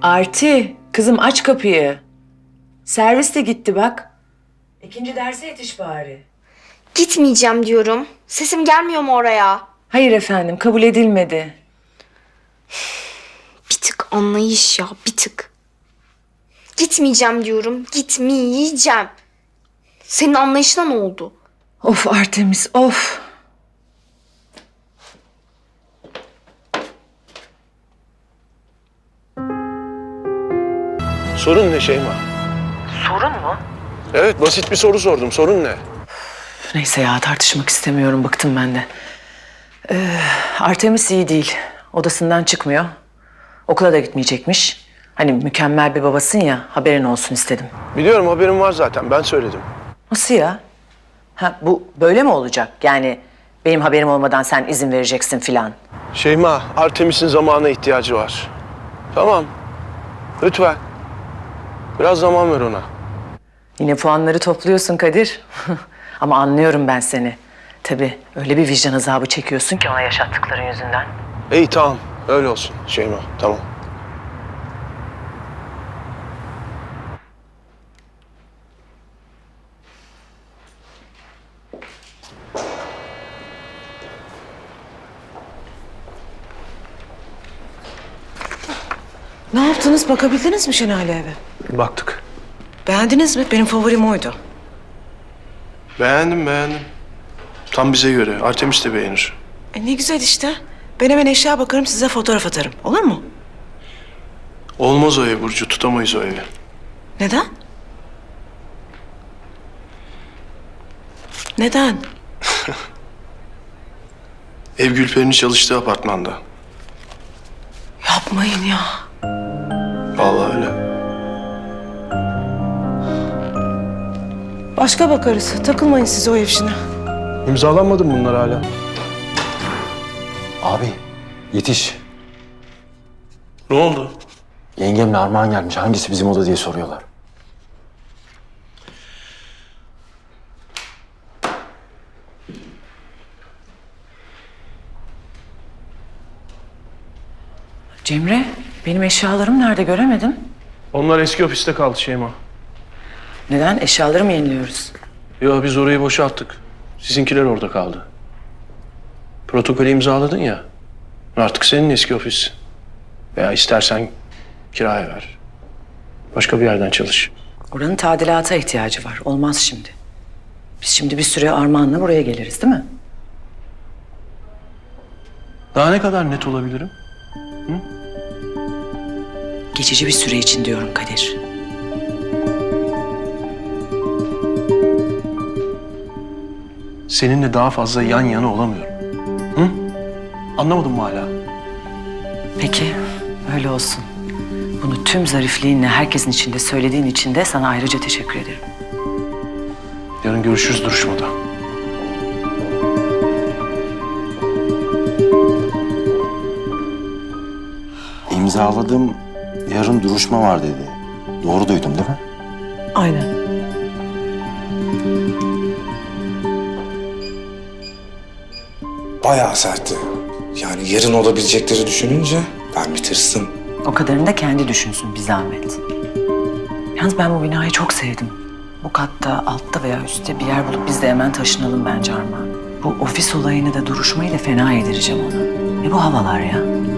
Arti, kızım aç kapıyı. Servis de gitti bak. İkinci derse yetiş bari. Gitmeyeceğim diyorum. Sesim gelmiyor mu oraya? Hayır efendim, kabul edilmedi. Bir tık anlayış ya, bir tık. Gitmeyeceğim diyorum, gitmeyeceğim. Senin anlayışına ne oldu? Of Artemis, of. Sorun ne Şeyma? Sorun mu? Evet, basit bir soru sordum. Sorun ne? Neyse ya, tartışmak istemiyorum, bıktım ben de. Artemis iyi değil. Odasından çıkmıyor. Okula da gitmeyecekmiş. Hani mükemmel bir babasın ya, haberin olsun istedim. Biliyorum, haberim var zaten. Ben söyledim. Nasıl ya? Ha, bu böyle mi olacak? Yani benim haberim olmadan sen izin vereceksin filan. Şeyma, Artemis'in zamana ihtiyacı var. Tamam. Lütfen. Biraz zaman ver ona. Yine puanları topluyorsun Kadir. Ama anlıyorum ben seni. Tabii öyle bir vicdan azabı çekiyorsun ki ona yaşattıkların yüzünden. İyi, tamam. Öyle olsun Şeyma. Tamam. Ne yaptınız? Bakabildiniz mi Şenale eve? Baktık. Beğendiniz mi? Benim favorim oydu. Beğendim. Tam bize göre. Artemis de beğenir. Ne güzel işte. Ben hemen eşya bakarım, size fotoğraf atarım. Olur mu? Olmaz o ev Burcu. Tutamayız o evi. Neden? Neden? Ev Gülperi'nin çalıştığı apartmanda. Yapmayın ya. Vallahi öyle. Başka bakarız. Takılmayın siz o ev işine. İmzalanmadı mı bunlar hala? Abi yetiş. Ne oldu? Yengemle Armağan gelmiş. Hangisi bizim oda diye soruyorlar. Cemre, benim eşyalarım nerede göremedim. Onlar eski ofiste kaldı Şeyma. Neden? Eşyaları mı yeniliyoruz? Yo, biz orayı boşalttık. Sizinkiler orada kaldı. Protokolü imzaladın ya. Artık senin eski ofis. Veya istersen kiraya ver. Başka bir yerden çalış. Oranın tadilata ihtiyacı var. Olmaz şimdi. Biz şimdi bir süre Armağan'la buraya geliriz değil mi? Daha ne kadar net olabilirim? Geçici bir süre için diyorum Kadir. Seninle daha fazla yan yana olamıyorum. Hı? Anlamadın mı hala? Peki, öyle olsun. Bunu tüm zarifliğinle herkesin içinde söylediğin için de sana ayrıca teşekkür ederim. Yarın görüşürüz duruşmada. İmzaladım. Yarın duruşma var dedi. Doğru duydum değil mi? Aynen. Bayağı sertti. Yani yarın olabilecekleri düşününce ben bir tırstım. O kadarını da kendi düşünsün bir zahmet. Yalnız ben bu binayı çok sevdim. Bu katta, altta veya üstte bir yer bulup biz de hemen taşınalım bence Armağan. Bu ofis olayını da duruşmayı da fena yedireceğim ona. Ne bu havalar ya?